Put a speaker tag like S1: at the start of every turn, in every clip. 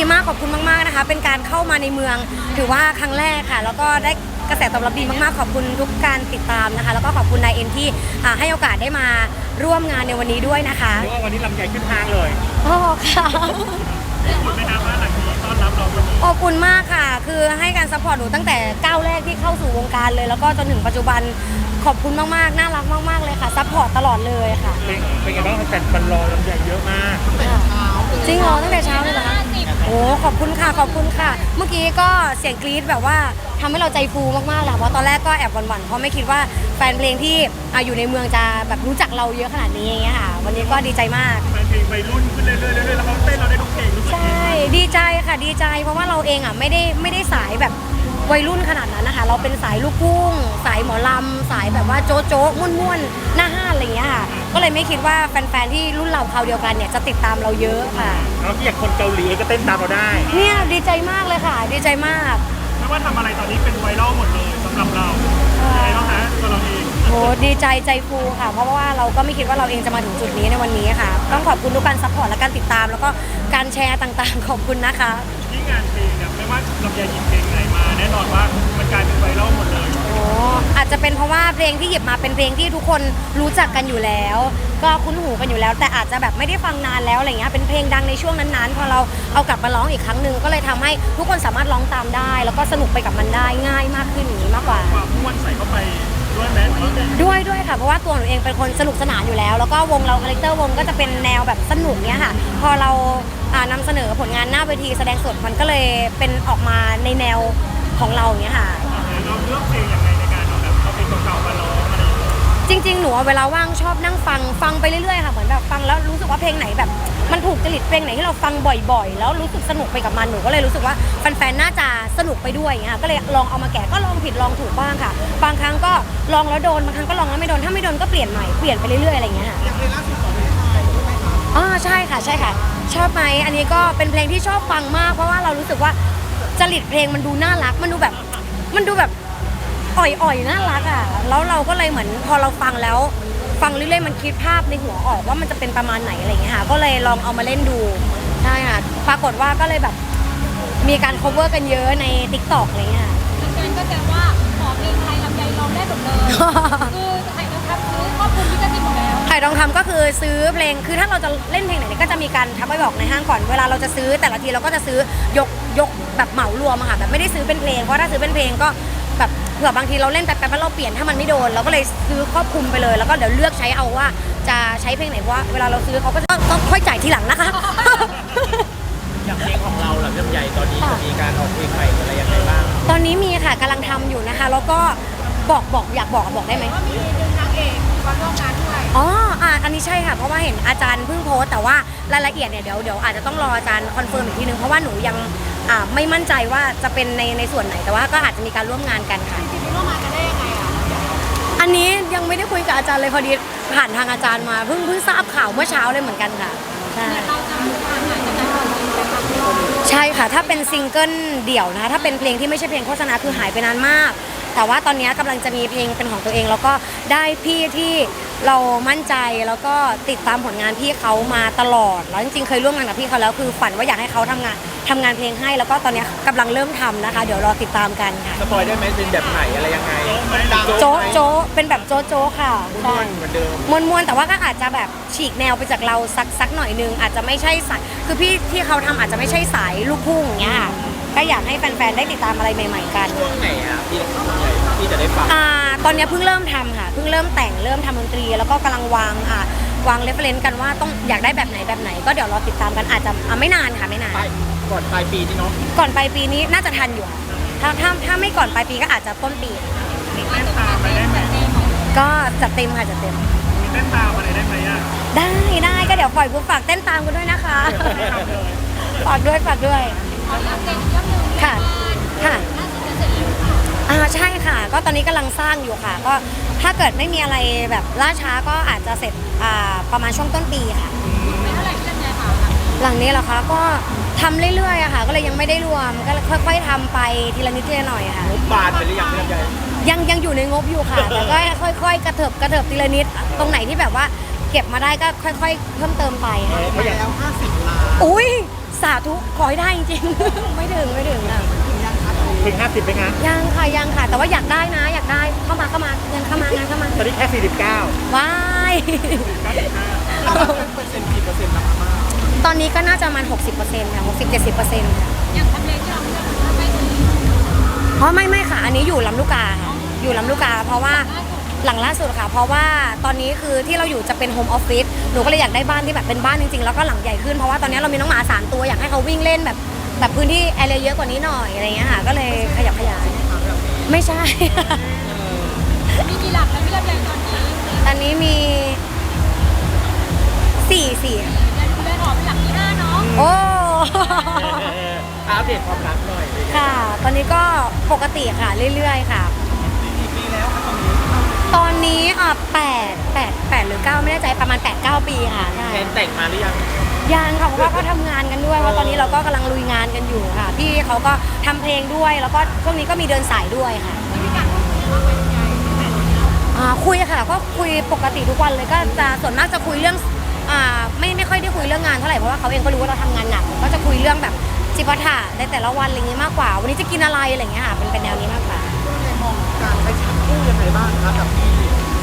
S1: มากขอบคุณมากๆนะคะเป็นการเข้ามาในเมืองถือว่าครั้งแรกค่ะแล้วก็ได้กระแสตอบรับดีมากๆขอบคุณทุกการติดตามนะคะแล้วก็ขอบคุณนายเอ็นที่ให้โอกาสได้มาร่วมงานในวันนี้ด้วยนะคะ
S2: เรียกว่าวันนี้ลำใหญ่ขึ้นทางเลย
S1: โอ้ค่ะ
S2: ขอบคุณไหมครับว่าหลังนี้ต้อนรับเราวันนี้
S1: ขอบคุณมากค่ะคือให้การซัพพอร์ตหนูตั้งแต่ก้าวแรกที่เข้าสู่วงการเลยแล้วก็จนถึงปัจจุบันขอบคุณมากๆน่ารักมากๆเลยค่ะซัพพอร์ตตลอดเลยค่ะ
S2: เป็นไงบ้างแฟนรอลำใหญ่เยอะมาก
S1: จริงเหรอตั้งแต่เช้าเลยเหรอคะโอ้ขอบคุณค่ะขอบคุณค่ะเมื่อกี้ก็เสียงกรี๊ดแบบว่าทำให้เราใจฟูมากๆแหละเพราะตอนแรกก็แอบหวั่นๆเพราะไม่คิดว่าแฟนเพลงที่อยู่ในเมืองจะแบบรู้จักเราเยอะขนาดนี้อย่างเงี้ยค่ะวันนี้ก็ดีใจมาก
S2: แฟนเพลงวัยรุ่นขึ้นเรื่อยๆแล้วเขาเต้นเราได้ทุกเพลง
S1: ใช่ดีใจค่ะดีใจเพราะว่าเราเองไม่ได้สายแบบวัยรุ่นขนาดนั้นนะคะเราเป็นสายลูกทุ่งสายหมอลำสายแบบว่าโจ๊ะโจ๊ะม่วนๆหน้าห้านอะไรอย่างเงี้ยค่ะก็เลยไม่คิดว่าแฟนๆที่รุ่นเราคราวเดียวกันเนี่ยจะติดตามเราเยอะค่ะ
S2: แล้วอย่างคนเกาหลีก็เต้นตามเราได้
S1: เนี่ยดีใจมากเลยค่ะดีใจมาก
S2: ไม่ว่าทำอะไรตอนนี้เป็นไวรัลหมดเลยสำหรับเรายังไงบ้างคะตัวเราเอง
S1: โหดีใจใจฟูค่ะเพราะว่าเราก็ไม่คิดว่าเราเองจะมาถึงจุดนี้ในวันนี้ค่ะต้องขอบคุณทุกการซัพพอร์ตและการติดตามแล้วก็การแชร์ต่างๆขอบคุณนะคะ
S2: ที่งานเพลงเนี่ยไม่ว่าลำไยหยิบเพลงไหนมาแน่นอนว่ามันกลายเป็นไวรัลหมดเลย
S1: โอ้อาจจะเป็นเพราะว่าเพลงที่หยิบมาเป็นเพลงที่ทุกคนรู้จักกันอยู่แล้วก็คุ้นหูกันอยู่แล้วแต่อาจจะแบบไม่ได้ฟังนานแล้วอะไรเงี้ยเป็นเพลงดังในช่วงนั้นๆพอเราเอากลับมาร้องอีกครั้งหนึ่งก็เลยทำให้ทุกคนสามารถร้องตามได้แล้วก็สนุกไปกับมันได้ง่ายมากขึ้นอย่างนี้มากกว่า
S2: ความม่วนใส่เข้าไปด้วยไหม
S1: ด้วยค่ะเพราะว่าตัวหนูเองเป็นคนสนุกสนานอยู่แล้วแล้วก็วงเราคาแรคเตอร์วงก็จะเป็นแนวแบบสนุกเนี้ยค่ะพอเรานำเสนอผลงานหน้าเวทีแสดงสดมันก็เลยเป็นออกมาในแนวของเราเนี้ยค่ะ
S2: เราเลือกเพลงยังไงในการเอาแบบเอาเพลงเก่าๆมาร้องอะไร
S1: จริงๆหนูเวลาว่างชอบนั่งฟังไปเรื่อยๆค่ะเหมือนแบบฟังแล้วรู้สึกว่าเพลงไหนแบบมันถูกจริตเพลงไหนที่เราฟังบ่อยๆแล้วรู้สึกสนุกไปกับมันหนูก็เลยรู้สึกว่าแฟนๆน่าจะสนุกไปด้วยอย่างเงี้ยก็เลยลองเอามาแกะก็ลองผิดลองถูกบ้างค่ะบางครั้งก็ลองแล้วโดนบางครั้งก็ลองแล้วไม่โดนถ้าไม่โดนก็เปลี่ยนใหม่เปลี่ยนไปเรื่อยๆอะไรอย่างเงี้ยค่ะ
S2: อย่างเพลงล่าสุดของพี่ชายใช่ไหมคะ
S1: อ๋อใช่ค่ะชอบไหมอันนี้ก็เป็นเพลงที่ชอบฟังมากเพราะว่าเรารู้สึกว่าจริตเพลงมันดูน่ารักมันดูแบบอ่อยน่ารักอ่ะแล้วเราก็เลยเหมือนพอเราฟังแล้วฟังเรื่อยๆมันคิดภาพในหัวออกว่ามันจะเป็นประมาณไหนอะไรอย่างเงี้ยค่ะก็เลยลองเอามาเล่นดูใช่ค่ะปรากฏว่าก็เลยแบบมีการ cover กันเยอะใน TikTok อะไรเงี้ย
S3: แฟนก็แสดงว่าขอเพลงไทยลำไยร้องได้หมดเลยคือไทยต้องทำซื้อครอบคลุมที่จะติดหมดแล้ว
S1: ไทยต้องทำก็คือซื้อเพลงคือถ้าเราจะเล่นเพลงไหนก็จะมีการทักไปบอกในห้างก่อนเวลาเราจะซื้อแต่ละทีเราก็จะซื้อยกแบบเหมารวมอะค่ะแบบไม่ได้ซื้อเป็นเพลงเพราะถ้าซื้อเป็นเพลงก็แบบเผื่อบางทีเราเล่นแป๊บๆแล้วเราเปลี่ยนถ้ามันไม่โดนเราก็เลยซื้อครอบคลุมไปเลยแล้วก็เดี๋ยวเลือกใช้เอาว่าจะใช้เพลงไหนเพราะว่าเวลาเราซื้อเขาก็ต้องค่อยจ่ายทีหลังนะคะ
S2: อย่างเพลงของเราลำใหญ่ตอนนี้จะมีการออกเพลงใหม่อะไรยังไงบ้าง
S1: ตอนนี้มีค่ะกำลังทำอยู่นะคะแล้วก็อยากบอกได้ไหม
S3: ว่ามีดึงนางเอกมาร่วมงานด้วย
S1: อ๋ออันนี้ใช่ค่ะเพราะว่าเห็นอาจารย์เพิ่งโพสแต่ว่ารายละเอียดเนี่ยเดี๋ยวอาจจะต้องรออาจารย์คอนเฟิร์มอีกทีนึงเพราะว่าหนูยังไม่มั่นใจว่าจะเป็นในส่วนไหนแต่ว่าก็อาจจะมีการร่วมงานกันค่ะ
S3: จริงๆร่วมงานกันได้ยังไงอ่ะ
S1: อันนี้ยังไม่ได้คุยกับอาจารย์เลยพอดีผ่านทางอาจารย์มาเพิ่งทราบข่าวเมื่อเช้าเลยเหมือนกันค่ะใช่
S3: เราจะมีทางไหนจะได้ความจริงไปทำด้วย
S1: ใช่ค่ะถ้าเป็นซิงเกิลเดี่ยวนะคะถ้าเป็นเพลงที่ไม่ใช่เพลงโฆษณาคือหายไปนานมากแต่ว่าตอนนี้กำลังจะมีเพลงเป็นของตัวเองแล้วก็ได้พี่ที่เรามั่นใจแล้วก็ติดตามผลงานพี่เขามาตลอดแล้วจริงๆเคยร่วมงานกับพี่เขาแล้วคือฝันว่าอยากให้เขาทำงานเพลงให้แล้วก็ตอนนี้กำลังเริ่มทำนะคะเดี๋ยวรอติดตามกันค่ะ
S2: สปอยได้ไหมเป็นแบบไหนอะไรยังไง
S1: โจ๊เป็นแบบโจ๊ค่ะ
S2: ใช่เหมือนเดิม
S1: มวนแต่ว่าก็อาจจะแบบฉีกแนวไปจากเราสักหน่อยนึงอาจจะไม่ใช่สายคือพี่ที่เขาทำอาจจะไม่ใช่สายลูกทุ่งอย่างเงี้ยก็อยากให้แฟนๆได้ติดตามอะไรใหม่ๆกัน
S2: ช่วงไหนอ่ะพี่จะได้ฟัง
S1: ตอนนี้เพิ่งเริ่มทำค่ะเพิ่งเริ่มแต่งเริ่มทำดนตรีแล้วก็กำลังวางเรฟเฟรนซ์กันว่าต้องอยากได้แบบไหนก็เดี๋ยวรอติดตามกันอาจจะไม่นานค่ะไม่นาน
S2: ก่อนปลายปีนี่เนาะ
S1: ก่อนปลายปีนี้น่าจะทันอยู่ถ้าไม่ก่อนปลายปีก็อาจจะต้นปี
S2: มีเต้นตามไปได้ไหม
S1: ก็จัดเต็มค่ะจัดเต็ม
S2: มีเต้นตามอะไรได้ไหมอ่ะ
S1: ได้ก็เดี๋ยวปล่อยปุ๊บฝากเต้นตามกันด้วยนะคะฝากด้วย
S3: ขอเรื่องเพลงเรื่องนึง
S1: ค่ะ
S3: น่าจะเสร็จแล้ว
S1: ใช่ค่ะก็ตอนนี้กำลังสร้างอยู่ค่ะก็ถ้าเกิดไม่มีอะไรแบบล่าช้าก็อาจจะเสร็จประมาณช่วงต้นปีค่ะ
S3: ไม่เท่าไหร่ที่ยังไงคะ
S1: หลังนี้เหรอคะก็ทำเรื่อยๆอะค่ะก็เลยยังไม่ได้รวมก็ค่อยๆทำไปทีละนิดทีละหน่อยค่ะ
S2: บานไปหรือยังใหญ่
S1: ยังอยู่ในงบอยู่ค่ะแต่ก็ค่อยๆกระเถิบทีละนิดตรงไหนที่แบบว่าเก็บมาได้ก็ค่อยๆเพิ่มเติมไปค่ะ
S2: ไปแล้ว50 ล้าน
S1: อุ้ยสาธุขอให้ได้จริงๆ ไม่ถึงค่ะ
S2: ถึง50ไหมคะ
S1: ยังค่ะแต่ว่าอยากได้นะอยากได้เข้ามาเงินเข้ามางานเข้ามา
S2: ตอนนี้แค่49
S1: ว้าย
S2: เปอร์เซ็นต์กี่เปอร์เซ็นต์แล้วครับ
S1: ตอนนี้ก็น่าจะประมาณ 60%ค่ะ60-70%ค่ะ
S3: อย่างทำเลที่เราเลือกมันไม่ดี
S1: เพราะไม่ค่ะ อันนี้อยู่ลำลูกกาค่ะอยู่ลำลูกกา เพราะว่าหลังล่าสุดค่ะ เพราะว่าตอนนี้คือที่เราอยู่จะเป็นโฮมออฟฟิศหนูก็เลยอยากได้บ้านที่แบบเป็นบ้านจริงๆแล้วก็หลังใหญ่ขึ้นเพราะว่าตอนนี้เรามีน้องหมา3ตัวอยากให้เขาวิ่งเล่นแบบพื้นที่แอเรียเยอะกว่านี้หน่อยอะไรเงี้ยค่ะก็เลยขยับขยายไม่ใช่
S3: มีกี่หลักแล้วพี่ลำไยตอนนี้
S1: ตอนนี้มี4
S3: เดือนหอเป็นหลักที่5เนาะ
S1: โอ้
S2: อัปเดตความรักหน่อย
S1: ค่ะ ตอนนี้ก็ปกติค่ะเรื่อยๆค่ะ
S2: กี่ปีแล้วครับตอนนี้
S1: ตอนนี้8หรือ 9 ไม่แน่ใจประมาณ 8-9 ปีค่ะใช่
S2: แทนแต่งมาหรือยัง
S1: ยังค่ะเพราะว่าก็ทำงานกันด้วยว่าตอนนี้เราก็กำลังลุยงานกันอยู่ค่ะพี่เขาก็ทำเพลงด้วยแล้วก็ช่วงนี้ก็มีเดินสายด้วยค่ะ
S3: มีการพูดคุยว่าเป็นไง
S1: คุยค่ะก็คุยปกติทุกวันเลยก็จะส่วนมากจะคุยเรื่องไม่ค่อยได้คุยเรื่องงานเท่าไหร่เพราะว่าเขาเองก็รู้ว่าเราทำงานหนักก็จะคุยเรื่องแบบจิปาถะในแต่ละวันอะไรอย่างงี้มากกว่า วันนี้จะกินอะไรอะไรอย่างเงี้ยค่ะเป็นแนวนี้มากกว่า
S2: ในมองการใช้ชีวิตคู่ยังไงบ้างครับกับพี่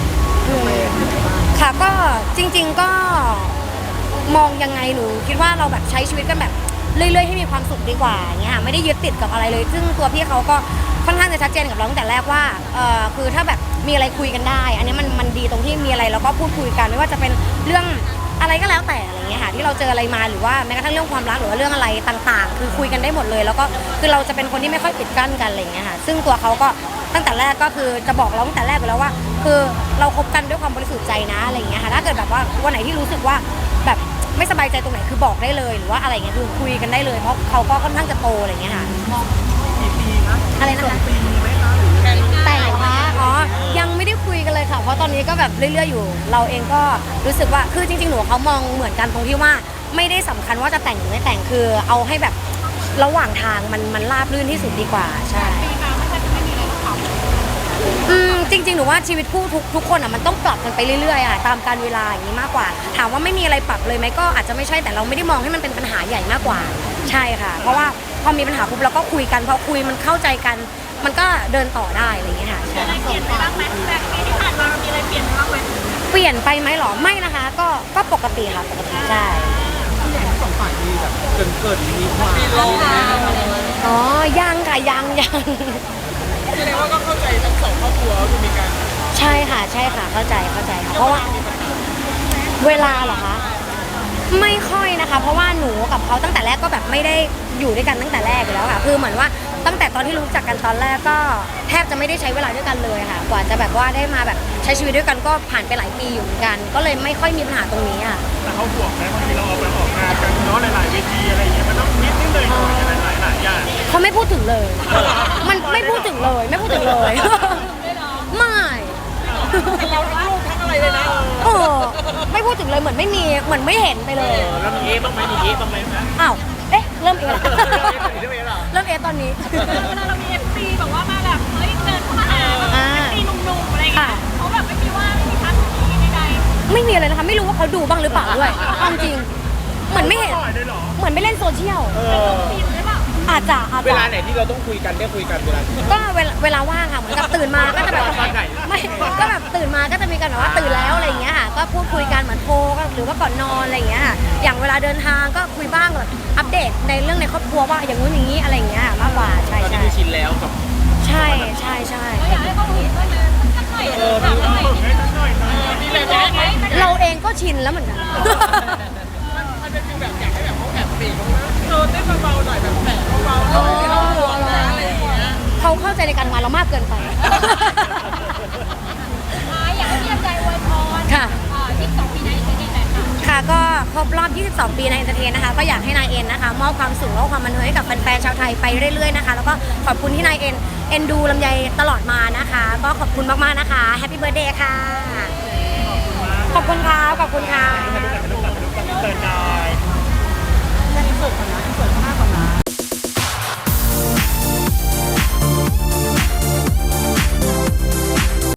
S1: ค่ะก็จริงๆก็มองยังไงหนูคิดว่าเราแบบใช้ชีวิตกันแบบเรื่อยๆให้มีความสุขดีกว่าอย่างเงี้ยค่ะไม่ได้ยึดติดกับอะไรเลย ซึ่งตัวพี่เขาก็ค่อนข้างจะชัดเจนกับเราตั้งแต่แรกว่าคือถ้าแบบมีอะไรคุยกันได้ อันนี้มันดีตรงที่มีอะไรเราก็พูดคุยกันไม่ว่าจะเป็นเรื่องอะไรก็แล้วแต่อะไรเงี้ยค่ะที่เราเจออะไรมาหรือว่าแม้กระทั่งเรื่องความรักหรือว่าเรื่องอะไรต่างๆ คือคุยกันได้หมดเลย แล้วก็คือเราจะเป็นคนที่ไม่ค่อยปิดกั้นกันอะไรเงี้ยค่ะซึ่งตัวเขาก็ตั้งแต่แรกก็คือจะบอกเราตั้งแต่แรกไปแล้วว่า คือเราคบกันด้วยความบริสุทธิ์ใจนะอะไรเงี้ยค่ะถ้าเกิดแบบว่าวันไหนที่รู้สึกว่าแบบไม่สบายใจตรงไหนคือบอกได้เลยหรือว่าอะไรเงี้ยคือคุยกันได้เลยเพราะเขาก็ค่อนข้างจะโตอะไรเงี้ยค่ะ
S2: กี่ปีนะ
S1: อะไรนะคะ
S2: ปีไหมคะหรือ
S1: แต่งคะอ๋อยังไม่ได้คุยกันเลยค่ะเพราะตอนนี้ก็แบบเรื่อยๆอยู่ เราเองก็รู้สึกว่าคือจริงๆหนูกับเขามองเหมือนกันตรงที่ว่าไม่ได้สำคัญว่าจะแต่งหรือไม่แต่งคือเอาให้แบบระหว่างทางมันราบรื่นที่สุดดีกว่าใช่
S3: ปีมาไม่ใช่จะไม่มีอะไรต้องปรับ
S1: จริงๆหนูว่าชีวิตคู่ทุกคนอ่ะมันต้องปรับกันไปเรื่อยๆอ่ะตามการเวลาอย่างนี้มากกว่า ถามว่าไม่มีอะไรปรับเลยไหมก็อาจจะไม่ใช่แต่เราไม่ได้มองให้มันเป็นปัญหาใหญ่มากกว่าใช่ค่ะ เพราะว่าพอมีปัญหาปุ๊บเราก็คุยกันพอคุยมันเข้าใจกัน มันก็เดินต่อได้อะไรอย่างเงี้ยค่ะใช่
S3: อะไรเปลี่ยนไปบ้างไหมแบบปีที่ผ่านมามีอะไรเปลี่ยนไปบ้างไหม
S1: เปลี่ยนไปไหมหรอไม่นะคะก็ปกติค่ะปกติใช่
S2: สองฝ่ายมีแบบเกิดมีความ
S1: อ๋อยังค่ะยัง
S2: แสดงว่าก็เข้าใจทั้งสองครอบครัวคือมีการ
S1: ใช่ค่ะเข้าใจค่ะเพราะว่าเวลาเหรอคะไม่ค่อยนะคะ เพราะว่าหนูกับเขาตั้งแต่แรกก็แบบไม่ได้อยู่ด้วยกันตั้งแต่แรกอยู่แล้วค่ะคือเหมือนว่าตั้งแต่ตอนที่รู้จักกันตอนแรกก็แทบจะไม่ได้ใช้เวลาด้วยกันเลยค่ะ กว่าจะแบบว่าได้มาแบบใช้ชีวิตด้วยกันก็ผ่านไปหลายปีอยู่เหมือนกัน ก็เลยไม่ค่อยมีปัญหาตรงนี้อ่ะ
S2: แต่เขาห่วงไหมบางทีเราเอาไปออกงานกันเนาะหลายๆเวทีอะไรอย่างเงี้ยมันต้องนิดเลยหน่อยหลายอย่าง
S1: เขาไม่พูดถึงเลย มันไม่พูดถึงเลยไม่พูดถึงเลย ไม่
S2: เราทั้งลูกทั้งอะไรเลยนะ
S1: เออไม่พูดถึงเลยเหมือนไม่มีเหมือนไม่เห็นไปเลย
S2: แล้วมีเอ๊ะบ้างไหมมีเอ๊ะบ้างไหมนะ
S1: อ้าวเอ๊ะเริ่มเอะ
S2: เรื่องเอ๊ะเหรอ
S1: เริ่มเอะตอนนี้
S3: เวลาเรามีเอฟซีแบบว่ามาแบบเฮ้ยเดินเข้ามาหาแบบเอฟซีหนุ่มๆอะไรอย่างเงี้ยเขาแบบไม่มีว่าไม่มีทักมีใด
S1: ไม่มีอะไรนะคะไม่รู้ว่าเขาดูบ้างหรือเปล่าด้วยเอาจริงเหมือนไม่เห็น
S2: ปล่อยเลยเหรอ
S1: เหมือนไม่เล่นโซเชียล
S3: ๆซีนหรือเปล่า
S1: อาจจะ
S2: เวลาไหนที่เราต้องคุยกันได้คุยกันเวลา
S1: ก็เวลาว่างค่ะเหมือนกับตื่นมาก็จะแบบ
S2: ตอนไหน
S1: ไม่ก็แบบตื่นมาก็จะมีกันแบบว่าตื่นแล้วอะไรอย่างเงี้ยค่ะก็พูดคุยกันเหมือนโทรหรือว่าก่อนนอนอะไรอย่างเงี้ยค่ะอย่างเวลาเดินทางก็คุยบ้างแบบอัปเดตในเรื่องในครอบครัวว่าอย่างนู้นอย่างนี้อะไรอย่างเงี้ยมากกว่าใช่
S2: ตอนนี้
S1: ใช่
S2: คือชินแล้วกับ
S1: ใช่
S3: เราอยากให้เขาเห็นด้วยนะสักหน่อยสักหน่อยมีแบบไหม
S1: เราเองก็ชินแล้วเหมือนกัน
S2: มันเป็นฟีลแบบอยากให้แบบเขาแอบปีกเขาเต้นเบาๆหน่อยแบบแตะเบาๆหน่อยไม่ต้องห่วงนะอะไรอย่างเงี้ย
S1: เขาเข้าใจในการงานเรามากเกินไป
S3: อยากให้พี่ลำไยอวยพร
S1: ค่ะ
S3: 22 ปีในอินเตอร์เน็ตหน่อยค่ะ
S1: ค่ะก็ครบรอบ 22 ปีในเอนเตอร์เทนนะคะ ก็อยากให้นายเอ็นนะคะ มอบความสุขและความบันเทิงให้กับแฟนๆชาวไทยไปเรื่อยๆนะคะ แล้วก็ขอบคุณที่นายเอ็นดูลำไยตลอดมานะคะ ก็ขอบคุณมากๆนะคะแฮปปี้เบิร์ธเดย์ค่ะ ขอบคุณค่ะ ขอบคุณค่ะ
S2: เติร์นนาย